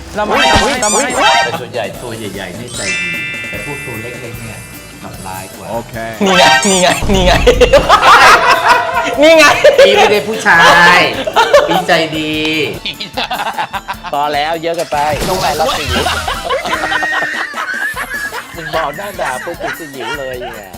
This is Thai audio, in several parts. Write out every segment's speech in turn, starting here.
เราไม่แต่ส่วนใหญ่ตัวใหญ่ๆนี่ใจดีแต่พวกตัวเล็กๆเนี่ยกลับร้ายกว่าโอเคนี่ไงนี่ไงพี่ไม่ได้ผู้ชาย พี่ใจดีพอแล้วเยอะกันไปต้องไปรับสิวมึงบอกหน้าด่าปุ๊บติดสยิวเลยเนี่ย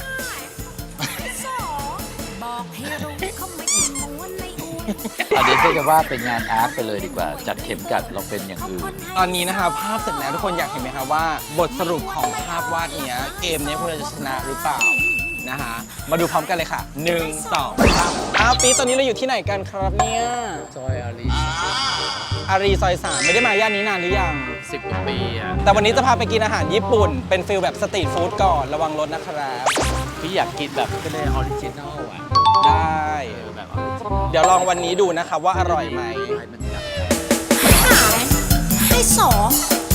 อันนี้ก็จะว่าเป็นงานอาร์ตไปเลยดีกว่าจัดเข็มกัดเราเป็นอย่างอื่นตอนนี้นะคะภาพเสร็จแล้วทุกคนอยากเห็นไหมคะว่าบทสรุปของภาพวาดเนี้ยเกมนี้พวกเราจะชนะหรือเปล่านะคะมาดูพร้อมกันเลยค่ะ1 2 3ปีตอนนี้เราอยู่ที่ไหนกันครับเนี่ยซอยอารีอารีซอย3ไม่ได้มาย่านนี้นานหรือยัง 10 กว่าปีอ่ะแต่วันนี้จะพาไปกินอาหารญี่ปุ่นเป็นฟิลแบบสตรีทฟู้ดก่อนระวังรถนะครับพี่อยากกินแบบก็เลยออริจินอลอ่ะได้แบบออริจินอลเดี๋ยวลองวันนี้ดูนะครับว่าอร่อยไหมมันอยากให้สอง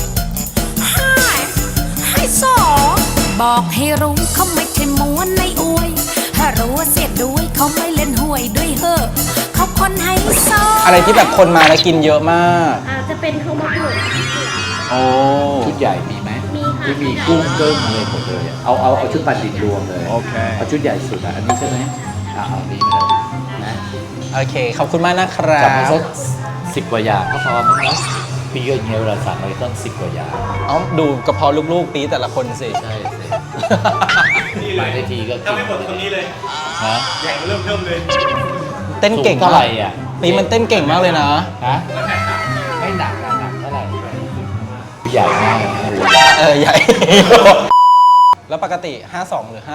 ให้สองบอกให้รู้เขาไม่ใช่ม้วนในอวยถ้ารู้ว่าเสียด้วยเขาไม่เล่นหวยด้วยเหอะเขาคนให้สองอะไรที่แบบคนมาแล้วกินเยอะมากอาจจะเป็นข้าวมะกรูดโอ้ชุดใหญ่มีไหมมีค่ะที่มีกุ้งเกิ้งอะไรหมดเลยอะเอาชุดปลาดิบรวมเลยโอเคเอาชุดใหญ่สุดอ่ะอันนี้ใช่ไหมเอานี้มาเลยนะโอเคขอบคุณมากนะครัจับมาสับก10 กว่าอย่างก็พอมั้งนะพี่ก็อย่างเงี้ยเวลาสั่งอะไรต้อง10 กว่าอย่างเอาดูกระเพาะลูกๆปีแต่ละคนสิใช่สิมาได้ทีก็ถ้าไม่หมดตรงนี้เลยฮะใหญ่เริ่มเลยเต้นเก่งสูเท่าไหร่อ่ะปีมันเต้นเก่งมากเลยนะฮะไม่หนักเท่าไหร่ใหญ่มากนะใหญ่ แล้วปกติ 52 หรือ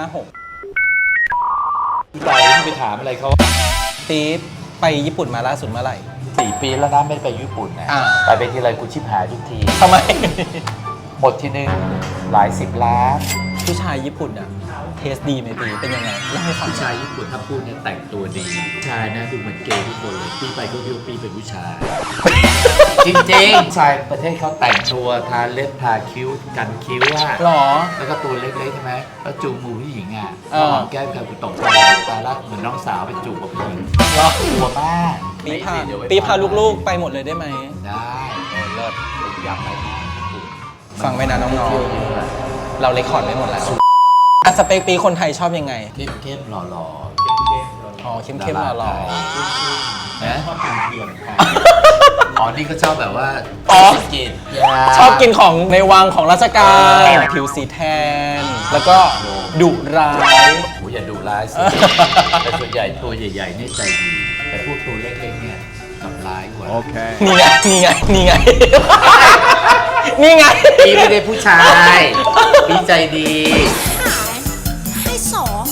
56 พี่ต่อยไปถามอะไรเขาปีไปญี่ปุ่นมาล่าสุดเมื่อไหร่ 4 ปีแล้วนะไม่ได้ไปญี่ปุ่นนะอ่าไปทีไรกูชิบหายทุกทีทำไมหมดทีนึงหลาย10 ล้านผู้ชายญี่ปุ่นอะเทสดีไหมปีเป็นยังไงเล่าให้ฟังผู้ชายญี่ปุ่นถ้าพูดเนี่ยแต่งตัวดีผู้ชายนะดูเหมือนเกย์ทุกคนเลยปีไปก็คิดว่าปีเป็นผู้ชาย จริงๆผู้ชายประเทศเขาแต่งตัวทาเล็บทาคิ้วกันคิ้วอะหรอแล้วก็ตัวเล็กๆใช่ไหมแล้วจูงมือผู้หญิงอ่ะเออหอมแก้มกับกูตกใจตาลักเหมือนน้องสาวไปจูบกับผู้หญิงหรอกลัวมากปีพาลูกๆไปหมดเลยได้ไหมได้เลิศยับไปฟังไว้นะน้องๆ เราเลคคอร์ดไว้หมดแล้วอ่ะสเปคปีคนไทยชอบยังไงเข้มๆหล่ออ๋อๆเข้มๆหล่อนะชอบกินเทียมอ๋อนี่ก็ชอบแบบว่าอ๋อกินๆ ชอบกินของในวังของราชการผิวสีแทน แล้วก็ดุร้ายโอ้อย่าดูร้ายสิ แต่ส่วนใหญ่ตัวใหญ่ๆนี่ใจดีแต่พวกตัวเล็กๆเนี่ยกลับร้ายกว่านี่ไงนี่ไงนี่ไง นี่ไงพี่ไม่ได้ผู้ชาย พี่ใจดีให้สอง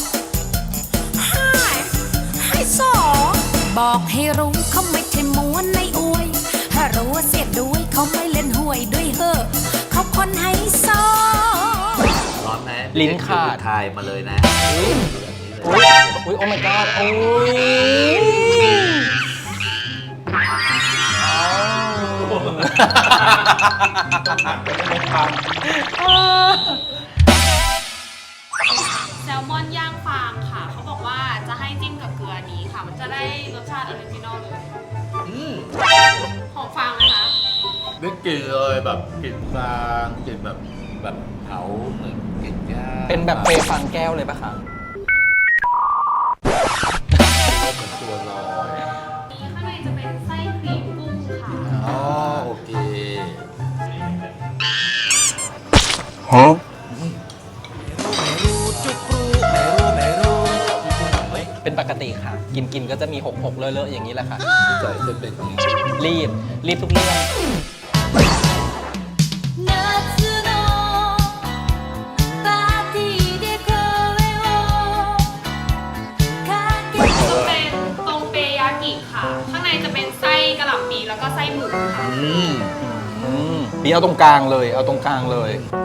ให้สองบอกให้รู้เขาไม่ใช่ม้วนในอวยถ้ารู้ว่าเสียด้วยเขาไม่เล่นหวยด้วยเหอะเขาคนให้สองร้อนไหมลิ้นขาดทายมาเลยนะอุ้ยโอ้ my god โอ้ยอ้าวแซลมอนย่างฟางค่ะ เขาบอกว่าจะให้จิ้มกับเกลือนี้ค่ะ มันจะได้รสชาติออริจินอลเลยหอมฟางไหมคะนึกกลิ่นเลยแบบกลิ่นฟางกลิ่นแบบเผาเหมือนกลิ่นย่างเป็นแบบเปรย์ฟังแก้วเลยปะคะเหมือนตัวลอยนี้ข้างในจะเป็นไส้ครีมกุ้งค่ะอ๋อโอเคเป็นปกติค่ะ กินก็จะมี6เลอะๆอย่างนี้แหละค่ะพี่จ่อยจะเป็นอย่างนี้รีบทุกเรื่อง夏のパーティーで声をかけてเป็นตรงเปยากิค่ะ ข้างในจะเป็นไส้กะหล่ำปีแล้วก็ไส้หมูค่ะปีเอาตรงกลางเลย เอาตรงกลางเลย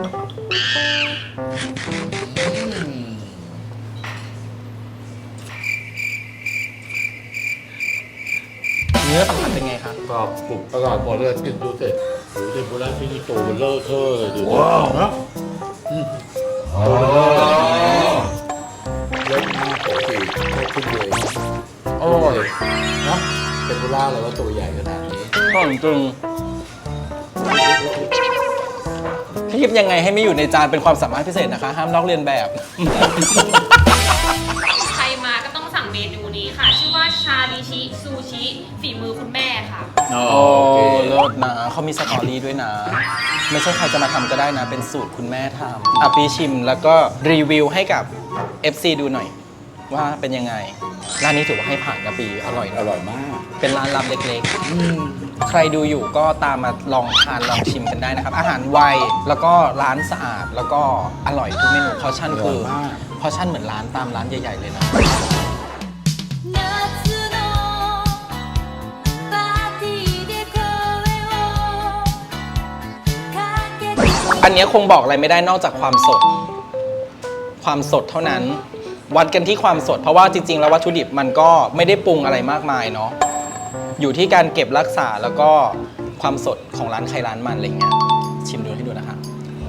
เนื้อสัมผัสเป็นไงคะก็กรุบอร่อยหมดเลยกินดูเสร็จโอ้โหเทมปุระที่นี่ตัวเลอะเทอะเลยดูว้าวนะตัวเลอะเยอะมากปกติแค่ขึ้นเลยอร่อยนะเทมปุระเราก็ตัวใหญ่ขนาดนี้อร่อยจริงคีบยังไงให้ไม่อยู่ในจานเป็นความสามารถพิเศษนะคะ ห้ามลอกเลียนแบบใครมาก็ต้องสั่งเมนูนี้ค่ะ ชื่อว่าชาลิชิซูชิฝีมือคุณแม่ค่ะโอ้เลิศนะเขามีสตอรี่ด้วยนะ ไม่ใช่ใครจะมาทำก็ได้นะ เป็นสูตรคุณแม่ทำอ่ะปีชิมแล้วก็รีวิวให้กับ FC ดูหน่อย ว่าเป็นยังไง ร้านนี้ถือว่าให้ผ่านนะปีอร่อยอนะร่อยมากเป็นร้านลับเล็กๆ ใครดูอยู่ก็ตามมาลองทานลองชิมกันได้นะครับ อาหารไวแล้วก็ร้านสะอาดแล้วก็อร่อยทุกเมนูพอชั่นคืออร่อยมากพอชั่นเหมือนร้านตามร้านใหญ่ๆเลยนะ夏のパーティーで声をかけてอันเนี้ยคงบอกอะไรไม่ได้นอกจากความสด ความสดเท่านั้น วัดกันที่ความสด เพราะว่าจริงๆแล้ววัตถุดิบมันก็ไม่ได้ปรุงอะไรมากมายเนาะ อยู่ที่การเก็บรักษาแล้วก็ความสดของร้านใครร้านมันอะไรเงี้ย ชิมดูให้ดูนะคะ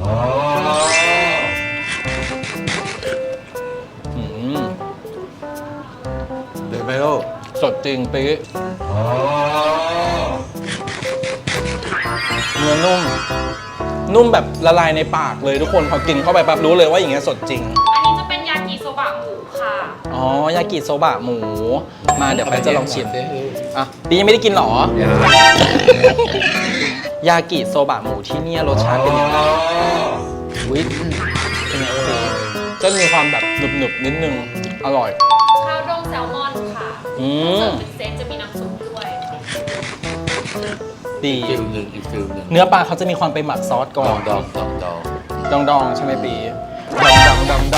อืมเดี๋ยวไปลูกสดจริงปี๊เนื้อนุ่ม นุ่มแบบละลายในปากเลยทุกคนพอกินเข้าไปปั๊บรู้เลยว่าอย่างเงี้ยสดจริงอันนี้จะเป็นยากิโซบะหมูค่ะอ๋อยากิโซบะหมู มาเดี๋ยวแป๊บจะลองชิมอ่ะปียังไม่ได้กินหรอ ยากิโซบะหมูที่เนี่ยรสชาติเป็นยังไงวิเป็นไงปีก็มีความแบบหนึบๆนิดนึง อร่อยข้าวดองแซลมอนค่ะอืมเสิร์ฟเป็นเซตจะมีน้ำซุปด้วยดีฟิลหนึ่งอีกฟิลหนึ่งเนื้อปลาเขาจะมีความไปหมักซอสก่อนดองดองใช่ไหมปีดอง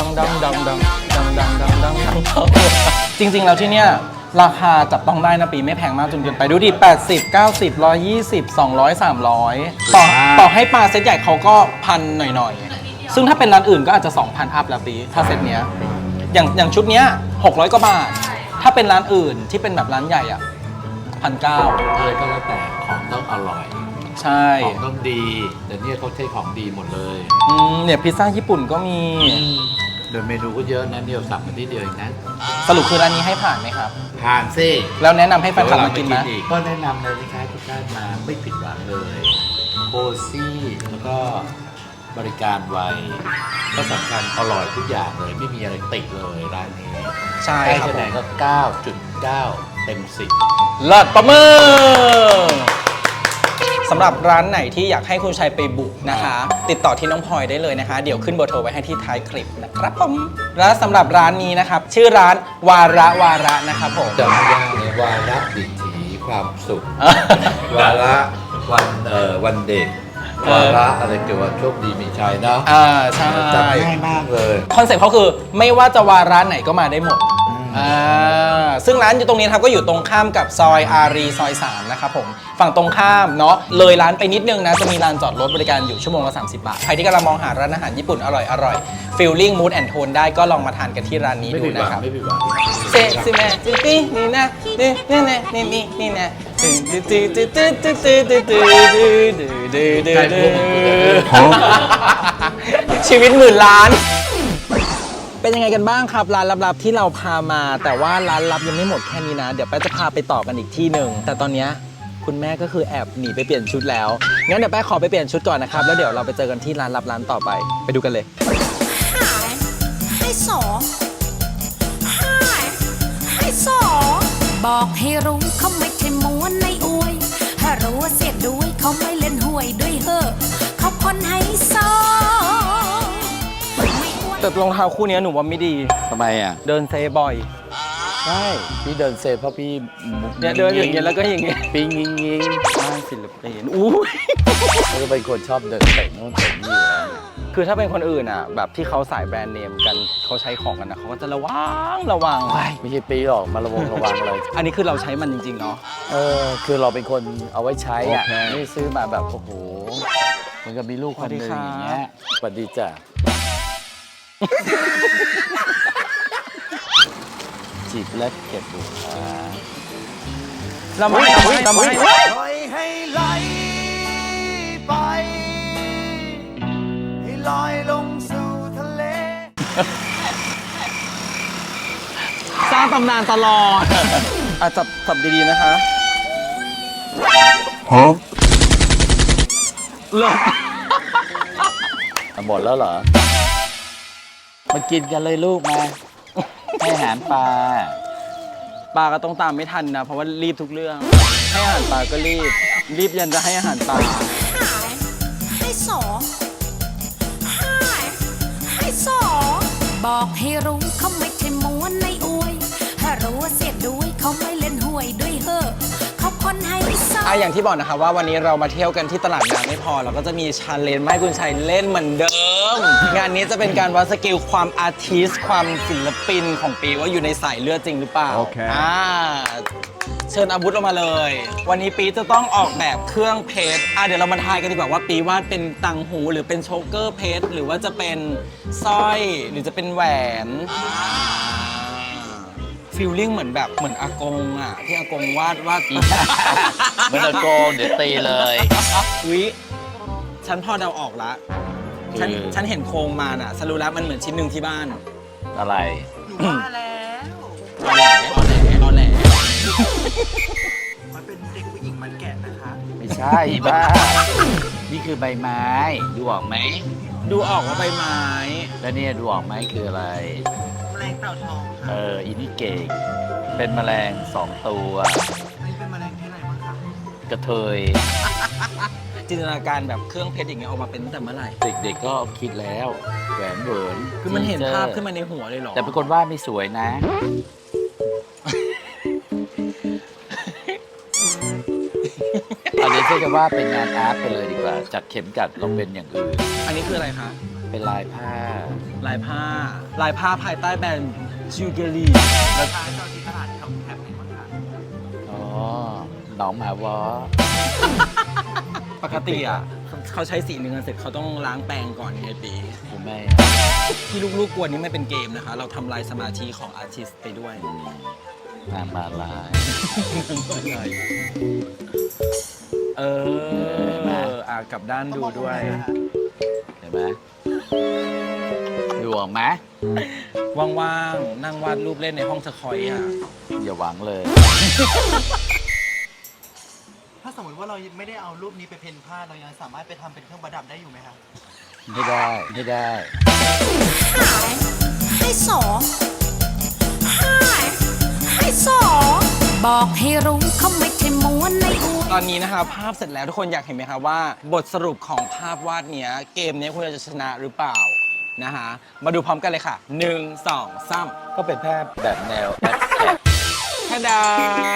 จริงๆแล้วที่เนี่ยราคาจับต้องได้นะปีไม่แพงมากจนเกินไปดูดิ80 90 120 200 300ต่อให้ปลาเซตใหญ่เขาก็พันหน่อยๆ ซึ่งถ้าเป็นร้านอื่นก็อาจจะ 2,000 อัพแล้วปีถ้าเซตเนี้ยอย่างชุดเนี้ย600 กว่าบาท ถ้าเป็นร้านอื่นที่เป็นแบบร้านใหญ่อ่ะ1,900 อะไรก็แล้วแต่ของต้องอร่อยใช่ของต้องดี แต่เนี่ยเขาใช้ของดีหมดเลยเนี่ยพิซซ่าญี่ปุ่นก็มีเดี๋ยวเมนูก็เยอะนะเดียวสั่งมาที่เดียวเองนะสรุปคือร้านนี้ให้ผ่านไหมครับผ่านซิแล้วแนะนำให้แฟนคลับมากินไหมอีก็แนะนำเลยนะคะทุกท่านมาไม่ผิดหวังเลยโคซี่แล้วก็บริการไวก็สำคัญอร่อยทุกอย่างเลย ไม่มีอะไรติดเลยร้านนี้ใช่ให้ครับคะผแนมนก็ 9.9 เต็มเลิศประมือสำหรับร้านไหนที่อยากให้คุณชัยไปบุกนะคะ ติดต่อที่น้องพลอยได้เลยนะคะ เดี๋ยวขึ้นเบอร์โทรไว้ให้ที่ท้ายคลิปนะครับผมและสำหรับร้านนี้นะครับ ชื่อร้านวาระนะครับผม 10จำไม่ยากเลยวาระดิถีความสุข วาระวันเด็ก วาระอะไรเกี่ยวกับโชคดีมีชัยเนาะใช่จำง่ายมากเลยคอนเซ็ปต์เขาคือไม่ว่าจะวาระไหนก็มาได้หมดซึ่งร้านอยู่ตรงนี้นะครับก็อยู่ตรงข้ามกับซอยอารีซอย 3 นะครับผมฝั่งตรงข้ามเนาะเลยร้านไปนิดนึงนะจะมีลานจอดรถบริการอยู่ชั่วโมงละ30 บาท ใครที่กำลังมองหาร้านอาหารญี่ปุ่นอร่อยฟีลลิ่งมูดแอนโทนได้ก็ลองมาทานกันที่ร้านนี้ไม่ดูผิดหวันะงครับไม่ผิดหวังเซซิแมจิตินี่นะนี่นะนี่นะชีวิตหมื่นล้าน เป็นยังไงกันบ้างครับร้านลับๆที่เราพามา แต่ว่าร้านลับยังไม่หมดแค่นี้นะ เดี๋ยวแป๊ะจะพาไปต่อกันอีกที่หนึ่งแต่ตอนเนี้ยคุณแม่ก็คือแอบหนีไปเปลี่ยนชุดแล้วงั้นเดี๋ยวแป๊ะขอไปเปลี่ยนชุดก่อนนะครับแล้วเดี๋ยวเราไปเจอกันที่ร้านลับร้านต่อไปไปดูกันเลยให้สองให้สองบอกให้รู้เขาไม่ใช่ม้วนในอวยถ้ารู้ว่าเสียด้วยเขาไม่เล่นหวยด้วยเหอะเขาคนให้สองไม่อ้วนแต่รองเท้าคู่นี้หนูว่าไม่ดีทำไมอ่ะเดินเซบ่อยใช่พี่เดินเซฟเพราะพี่เนี่ยเดินอย่างเงี้ยแล้วก็อย่างเงี้ยปิ้งยิงยิงบ้านศิลปินอู้ยเขาเป็นคนชอบเดินเตะโน่นเตะนี่อยู่แล้วคือถ้าเป็นคนอื่นอ่ะแบบที่เขาสายแบรนด์เนมกันเขาใช้ของกันนะเขาก็จะระวังไม่ใช่ปีหรอกมาระวังเลยอันนี้คือเราใช้มันจริงๆเนาะคือเราเป็นคนเอาไว้ใช้อ่ะโอเคไม่ซื้อมาแบบโอ้โหเหมือนกับมีลูกคนหนึงอย่างเงี้ยสวัสดีจ้ะ จีบและเก็บบุคคาเราไม่ปล่อยให้ไหลไป ให้ลอยลงสู่ทะเลสร้างตำนานตลอดจับดีๆนะคะหลบหมดแล้วเหรอมากินกันเลยลูกมา ให้อาหารปลาปลาก็ต้องตามไม่ทันนะเพราะว่ารีบทุกเรื่อง ให้อาหารปลาก็รีบยันจะให้อาหารปลาให้สองให้สอง บอกให้รู้เขาไม่ใช่ม้วนในอวยถ้ารู้ว่าเสียด้วยเขาไม่เล่นหวยด้วยเหอะเขาคนให้สองอย่างที่บอกนะคะว่าวันนี้เรามาเที่ยวกันที่ตลาดน้ำไม่พอเราก็จะมีชาเลนจ์มาให้คุณชัยเล่นเหมือนเดิม งานนี้จะเป็นการวัดสกิลความอาร์ติสความศิลปินของปีว่าอยู่ในสายเลือดจริงหรือเปล่าโอเคเชิญอาวุธออกมาเลย วันนี้ปีจะต้องออกแบบเครื่องเพชรเดี๋ยวเรามาทายกันดีกว่าว่าปีวาดเป็นต่างหูหรือเป็นโชเกอร์เพชรหรือว่าจะเป็นสร้อยหรือจะเป็นแหวนฟีลลิ่งเหมือนแบบเหมือนอากงที่อากงวาดเหมือนตะโกนเดี๋ยวตีเลยวิฉันพอเดาออกละคือฉันเห็นโครงมาสรุปแล้วมันเหมือนชิ้นหนึ่งที่บ้านอะไรว่าแล้วรอแหลมันเป็นเด็กผู้หญิงมันแกะนะคะไม่ใช่บ้า นี่คือใบไม้ดูออกไหมดูออกว่าใบไม้แล้วเนี่ยดูออกไหมคืออะไรแมลงเต่าทองค่ะอินี่เก่งเป็นแมลง2 ตัวอันนี้เป็นแมลงที่ไหนบ้างคะกระเทยจินตนาการแบบเครื่องเพชรอย่างเงี้ยออกมาเป็นตั้งแต่เมื่อไหร่เด็กๆก็คิดแล้วแหวนเหวินคือมันเห็นภาพขึ้นมาในหัวเลยเหรอแต่เป็นคนวาดไม่สวยนะ เอาเดี๋ยวเชื่อกันว่าเป็นงานอาร์ตไปเลยดีกว่า จากเข็มกัดลองเป็นอย่างอื่นอันนี้คืออะไรคะเป็นลายผ้าลายผ้าภายใต้แบรนด์จิวเกอรี่ราคาจอที่ตลาดแถวแถบไหนบ้างคะอ๋อ หนองหมาวอปกติเขาใช้สีเนื้อเสร็จเขาต้องล้างแปรงก่อนไงปีคุณแม่ที่ลูกๆกวนนี้ไม่เป็นเกมนะคะ เราทำลายสมาธิของอาร์ติสต์ไปด้วยนางมาลายเออกลับด้านดูด้วยเห็นไหมดูออกไหมว่างๆ นั่งวาดรูปเล่นในห้องสคอยอ่ะอย่าหวังเลยถ้าสมมติว่าเราไม่ได้เอารูปนี้ไปเพ้นผ้าเรายังสามารถไปทำเป็นเครื่องประดับได้อยู่ไหมคะไม่ได้ ไม่ได้ให้สองให้สองบอกให้รู้เขาไม่ใช่ม้วนในอวยตอนนี้นะคะภาพเสร็จแล้วทุกคนอยากเห็นไหมคะว่า บทสรุปของภาพวาดเนี้ยเกมเนี้ยคุณจะชนะหรือเปล่านะคะมาดูพร้อมกันเลยค่ะ 1 2 3 ก็เป็นภาพแบบแนวแอดแท็กทาดา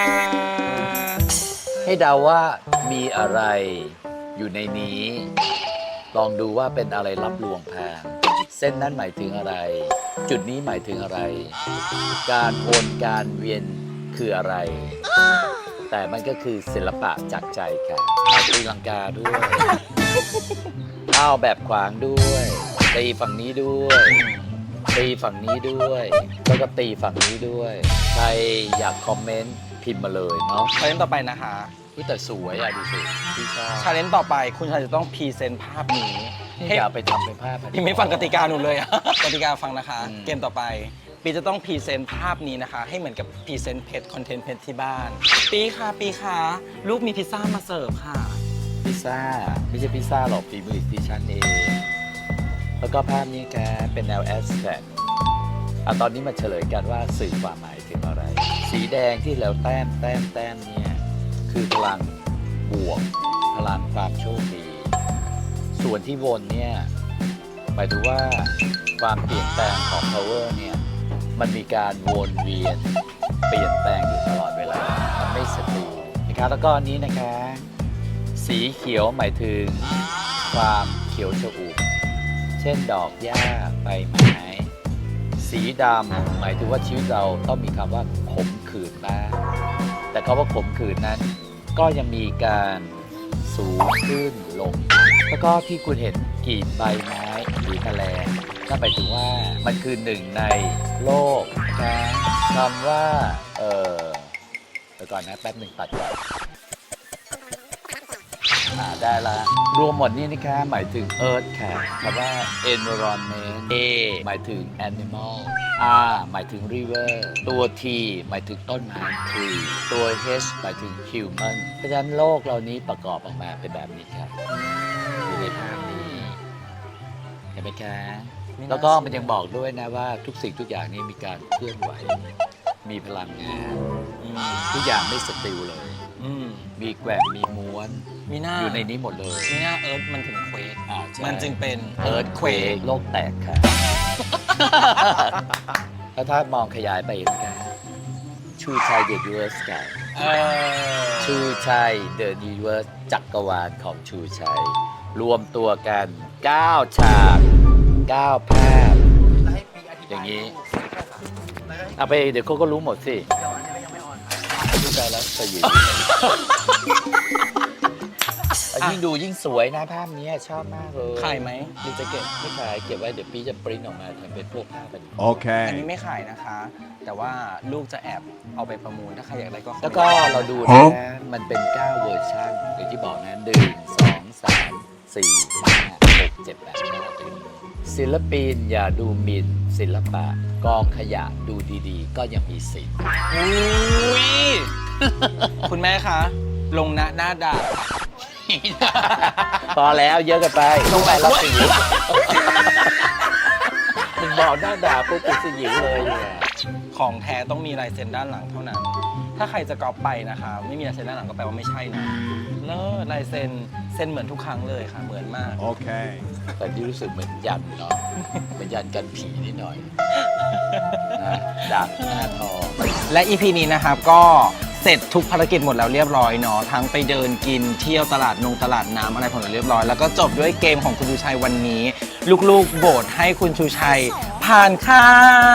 ให้เดาว่ามีอะไรอยู่ในนี้ ลองดูว่าเป็นอะไรรับลวงพรางเส้นนั้นหมายถึงอะไร จุดนี้หมายถึงอะไร การวนการเวียนคืออะไร แต่มันก็คือศิลปะจากใจค่ะตีลังกาด้วยอ้าวแบบขวางด้วยตีฝั่งนี้ด้วยตีฝั่งนี้ด้วย แล้วก็ตีฝั่งนี้ด้วย ใครอยากคอมเมนต์พิมพ์มาเลยเนาะชาเลนจ์ต่อไปนะคะแต่สวยอ่ะดูสิพี่ชอบชาเลนจ์ต่อไปคุณชายจะต้องพรีเซนต์ภาพนี้อย่าไปทำเป็นภาพยังไม่ฟังกติกาหนูเลยอะ กติกาฟังนะคะอืมเกมต่อไป ปีจะต้องพรีเซนต์ภาพนี้นะคะ ให้เหมือนกับพรีเซนต์เพจคอนเทนต์เพจที่บ้าน ปีค่ะลูกมีพิซซ่ามาเสิร์ฟค่ะพิซซ่าไม่ใช่พิซซ่าหรอกฝีมือดิฉันเอง แล้วก็ภาพนี้แกเป็นแนวแอสแทรกตอนนี้มาเฉลยกันว่าสื่อความหมายถึงอะไร สีแดงที่แล้วแต้มเนี่ยคือพลังบวก พลังความโชคดี ส่วนที่วนเนี่ยหมายถึงว่าความเปลี่ยนแปลงของ power เนี่ยมันมีการวนเวียนเปลี่ยนแปลงอยู่ตลอดเวลา มันไม่สตินะคะแล้วก็อันนี้นะคะ สีเขียวหมายถึงความเขียวชอุ่มเช่นดอกหญ้าใบไม้ สีดำหมายถึงว่าชีวิตเราต้องมีคำว่าขมขื่นบ้างแต่คำว่าขมขื่นนั้น ก็ยังมีการสูงขึ้นลง แล้วก็ที่คุณเห็นกลีบใบไม้หรือแมลงนั่นหมายถึงว่ามันคือหนึ่งในโลกนะคำว่าเดี๋ยวก่อนนะแป๊บหนึ่งตัดก่อนได้ละรวมหมดนี้นะคะหมายถึง Earth ค่ะคำว่า environment A หมายถึง animal R หมายถึง river ตัว T หมายถึงต้นไม้ tree ตัว H หมายถึง human เพราะฉะนั้นโลกเรานี้ประกอบออกมาเป็นแบบนี้ครับไหมคะไม่น่าแล้วก็เชื่อมันยังบอกด้วยนะว่าทุกสิ่งทุกอย่างนี่มีการเคลื่อนไหว มีพลังงานอืมทุกอย่างไม่สติลเลยอืมมีแกว่งมีม้วนมีหน้าอยู่ในนี้หมดเลยมีหน้าเอิร์ธมันถึงเควกใช่มันจึงเป็นเอิร์ธเควกโลกแตกค่ะ แล้วถ้ามองขยายไปเห็นไหมคะชูชัยเดอะยูนิเวิร์สค่ะเออชูชัยเดอะยูนิเวิร์สจักรวาลของชูชัย รวมตัวกัน 9 ฉาก 9 ภาพแล้วให้ปีอธิบายอย่างนี้แล้วก็ให้เอาไปเดี๋ยวเขาก็รู้หมดสิเดี๋ยวอันนี้ยังไม่ออนค่ะชูชัยแล้วสยิวยิ่งดูยิ่งสวยนะภาพนี้ชอบมากเลยขายไหมหรือจะเก็บไม่ขายเก็บไว้เดี๋ยวปีจะปริ้นออกมาทำเป็นพวกภาพเป็นอันนี้ไม่ขายนะคะ แต่ว่าลูกจะแอบเอาไปประมูลถ้าใครอยากได้ก็แล้วก็เราดูนะมันเป็น 9 เวอร์ชันอย่างที่บอกนะ1 2 3 4 5 6 7 8 9ศิลปินอย่าดูหมิ่นศิลปะ กองขยะดูดีๆ ก็ยังมีสิทธิ์อุ้ย คุณแม่คะ ลงหน้าด่าพอแล้วเยอะเกันไปลงไปแล้วสิวมึงบอกหน้าด่าปุ๊บกูสยิวเลยเนี่ยของแท้ต้องมีลายเซ็นด้านหลังเท่านั้น ถ้าใครจะก๊อปไปนะคะ ไม่มีลายเซ็นด้านหลังก็แปลว่าไม่ใช่นะเลิศลายเซ็นเซ็นเหมือนทุกครั้งเลยค่ะ เหมือนมากแต่ที่รู้สึกเหมือนยันเนาะเหมือนยันกันผีนิดหน่อยนะดาบหน้าทองและ EP นี้นะครับก็เสร็จทุกภารกิจหมดแล้วเรียบร้อยเนาะทั้งไปเดินกินเที่ยวตลาดตลาดน้ำอะไรผลเรียบร้อย แล้วก็จบด้วยเกมของคุณชูชัยวันนี้ ลูกๆโหวตให้คุณชูชัยผ่านค่ะ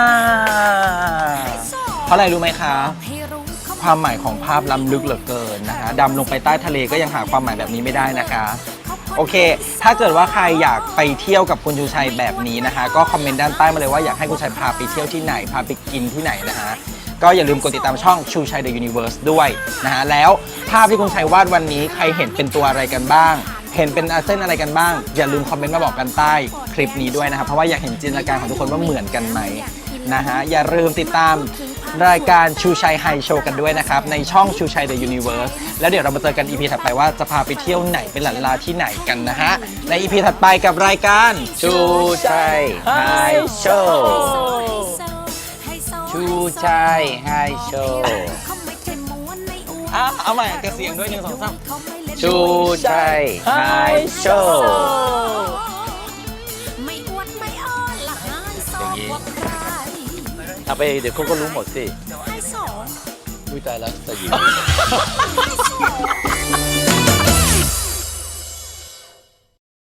เพราะอะไรรู้ไหมคะ ความหมายของภาพล้ำลึกเหลือเกินนะคะดำลงไปใต้ทะเลก็ยังหาความหมายแบบนี้ไม่ได้นะคะ โอเค ถ้าเกิดว่าใครอยากไปเที่ยวกับคุณชูชัยแบบนี้นะคะ ก็คอมเมนต์ด้านใต้มาเลยว่าอยากให้คุณชัยพาไปเที่ยวที่ไหน พาไปกินที่ไหนนะฮะ ก็อย่าลืมกดติดตามช่องชูชัย The Universe ด้วยนะฮะ แล้วภาพที่คุณชัยวาดวันนี้ใครเห็นเป็นตัวอะไรกันบ้าง เห็นเป็นเส้นอะไรกันบ้าง อย่าลืมคอมเมนต์มาบอกกันใต้คลิปนี้ด้วยนะครับ เพราะว่าอยากเห็นจินตนาการของทุกคนว่าเหมือนกันไหมนะฮะ อย่าลืมติดตามรายการชูชัยไฮโชว์กันด้วยนะครับในช่องชูชัย The Universe แล้วเดี๋ยวเรามาเจอกัน EP ถัดไปว่าจะพาไปเที่ยวไหนเป็นหลันลาที่ไหนกันนะฮะใน EP ถัดไปกับรายการชูชัยไฮโชว์ชูชัยไฮโชว์เอาใหม่กับเสียงด้วย1 2 3 ชูชัยไฮโชว์ไม่อวดไม่อ้อนละหายสอบกว่าใครเอาไปเดี๋ยวเขาก็รู้หมดสิให้สองอุ้ยตายแล้วสยิวให้สอง